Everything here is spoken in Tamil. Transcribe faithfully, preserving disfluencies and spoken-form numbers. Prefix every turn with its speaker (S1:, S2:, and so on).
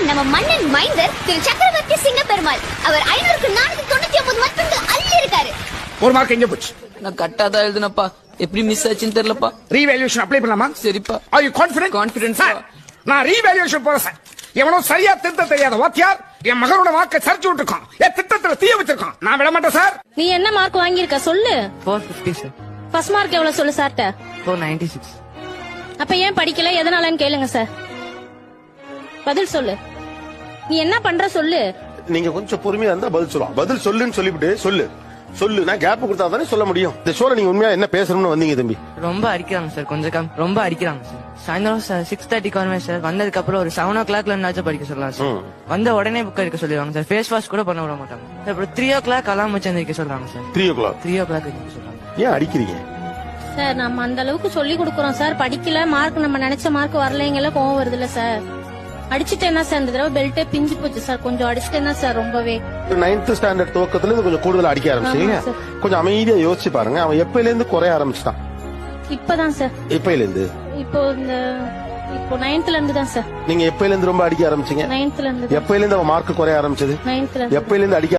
S1: நம்ம மன்னன் மைந்தர் திரு சக்கரவர்த்தி சிங்க பெருமாள் அவர் ஐநூறுக்கு நானூத்தி தொண்ணூத்தி ஒன்பது மதிப்பெண்கள் அள்ளி இருக்காரு.
S2: ஒரு மார்க் எங்க போச்சு?
S3: நான் கரெக்டா தான் எழுதுனப்பா, எப்படி மிஸ் ஆச்சுன்னு தெரியலப்பா.
S2: ரீவேல்யூஷன் அப்ளை பண்ணலாமா?
S3: சரிப்பா.
S2: Are you confident?
S3: Confident
S2: sir, நான் ரீவேல்யூஷன் போறேன் சார். எவனோ சரியா திருத்த தெரியாத வாத்தியார் என் மகனோட வாக்கை சரிச்சு விட்டுருக்கான். என் திட்டத்துல தீய வச்சிருக்கான். நான் விட மாட்டேன் சார்.
S4: நீ என்ன மார்க் வாங்கியிருக்க சொல்லு.
S5: four fifty sir.
S4: First mark எவ்வளவு சொல்லு சார்ட்ட.
S5: four ninety-six.
S4: அப்ப ஏன் படிக்கல, எதனாலன்னு கேளுங்க சார். பதில் சொல்லு. நீ என்ன பண்ற சொல்லு.
S6: நீங்க கொஞ்சம் பொறுமையா இருந்தா பதில் சொல்லுவோம். பதில் சொல்லுன்னு சொல்லிவிட்டு சொல்லு சொல்லு நான் கேப் கொடுத்தா தானே சொல்ல முடியும். இந்த ஷோல நீங்க உண்மையா என்ன பேசணும்னு வந்தீங்க தம்பி?
S5: ரொம்ப அடிக்கிறாங்க சார், கொஞ்சம் கம் ரொம்ப அடிக்கிறாங்க சார். சாயந்தரம் சார் சிக்ஸ் தேர்ட்டிக்கு வருவேன் சார். வந்ததுக்கு அப்புறம் ஒரு செவன் ஓ கிளாக்ல இருந்தாச்சும் படிக்க சொல்லலாம் சார். வந்த உடனே புக் எடுக்க சொல்லிடுவாங்க சார். ஃபேஸ் வாஷ் கூட பண்ண விட மாட்டாங்க சார். அப்புறம் த்ரீ ஓ கிளாக் அலாம் வச்சு எந்திரிக்க சொல்றாங்க sir.
S6: Three o'clock
S5: three o'clock எந்திரிக்க சொல்றாங்க.
S6: ஏன் அடிக்கிறீங்க
S4: சார்? நம்ம அந்த அளவுக்கு சொல்லி கொடுக்கறோம் சார். படிக்கல, மார்க் நம்ம நினைச்ச மார்க் வரலைங்கல, கோவம் வருது இல்ல சார். அடிச்சுட்டு என்ன சார், இந்த தடவை பெல்ட்டே பிஞ்சு போச்சு சார். கொஞ்சம் அடிச்சுட்டு என்ன சார் ரொம்பவே.
S6: நைன்த் ஸ்டாண்டர்ட் துவக்கத்துல இருந்து கொஞ்சம் கூடுதல் அடிக்க ஆரம்பிச்சீங்க.
S4: ஆமா சார்.
S6: கொஞ்சம் அமைதியா யோசிச்சு பாருங்க. அவன் எப்பயில இருந்து குறைய ஆரம்பிச்சிட்டான்?
S4: இப்பதான் சார்.
S6: எப்பயில இருந்து?
S4: இப்போ இந்த இப்போ நைன்த்ல இருந்து தான் சார்.
S6: நீங்க எப்பயில இருந்து ரொம்ப அடிக்க ஆரம்பிச்சீங்க?
S4: நைன்த்ல இருந்து.
S6: எப்பயில இருந்து அவன் மார்க் குறைய ஆரம்பிச்சது?
S4: நைன்த்ல இருந்து.
S6: எப்பயில இருந்து அடிக்க